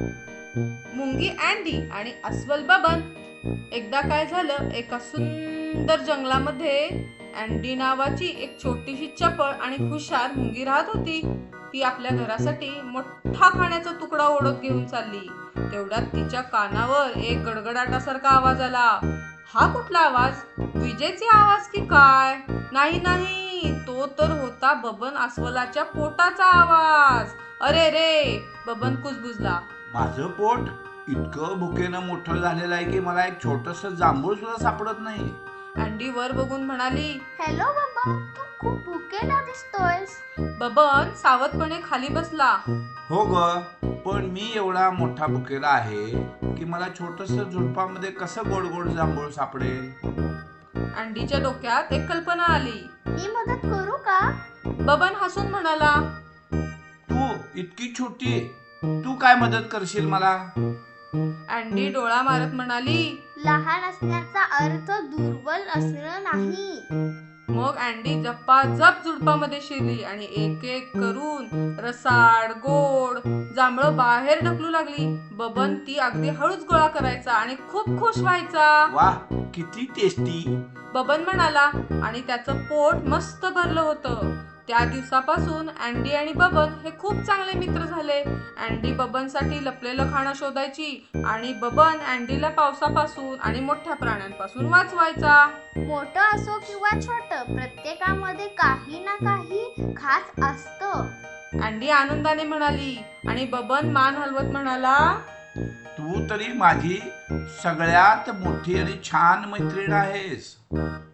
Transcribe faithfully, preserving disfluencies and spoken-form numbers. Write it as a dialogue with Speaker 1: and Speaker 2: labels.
Speaker 1: मुंगी अँडी आणि अस्वल बबन. एकदा काय झालं, एका सुंदर जंगलामध्ये अँडी नावाची एक छोटीशी चपळ आणि हुशार मुंगी राहत होती. ती आपल्या घरासाठी मोठा खाण्याचा तुकडा ओढत घेऊन चालली. तेवढ्यात तिच्या कानावर एक गडगडाटासारखा आवाज आला. हा कुठला आवाज? विजेचे आवाज की काय? नाही नाही, तो तर होता बबन अस्वलाच्या पोटाचा आवाज. अरे रे, बबन कुजबुजला.
Speaker 2: माझं पोट इतकं भुकेनं मोठं झालेलं आहे की मला एक छोटस जांभूळ सुद्धा सापडत नाही.
Speaker 1: अँडी वर बघून म्हणाली,
Speaker 3: हॅलो बाबा, तू खूप भुकेला दिसतोयस.
Speaker 1: बबन सावधपणे खाली बसला.
Speaker 2: हो ग, पण मी एवढा मोठा भुकेला आहे की मला छोटस झुडपामध्ये कसं गोड गोड जांभूळ सापडेल.
Speaker 1: अँडीच्या डोक्यात एक कल्पना आली.
Speaker 3: मी मदत करू का?
Speaker 1: बबन हसून म्हणाला,
Speaker 2: तू इतकी छोटी, तू काय मदत करशील मला?
Speaker 1: अँडी डोळा मारत म्हणाली.
Speaker 3: लहान असण्याचा अर्थ दुर्बल असणं नाही.
Speaker 1: मग अँडी झपाझप झुडपामध्ये शिरली आणि एक एक करून रसाळ गोड जांभळं बाहेर ढकलू लागली. बबन ती अगदी हळूच गोळा करायचा आणि खूप खुश व्हायचा.
Speaker 2: वाह, किती टेस्टी.
Speaker 1: बबन म्हणाला आणि त्याचं पोट मस्त भरलं होतं. त्या दिवसापासून अँडी आणि बबन हे खूप चांगले मित्र झाले. अँडी बबनसाठी लपलेलं खाणं शोधायची आणि बबन अँडीला पावसापासून आणि मोठ्या प्राण्यांपासून वाचवायचा.
Speaker 3: मोठं असो किंवा छोटं, प्रत्येकामध्ये काही ना काही खास असतं.
Speaker 1: अँडी आनंदाने म्हणाली आणि बबन मान हलवत म्हणाला,
Speaker 2: तू तरी माझी सगळ्यात मोठी आणि छान मैत्रीण आहेस.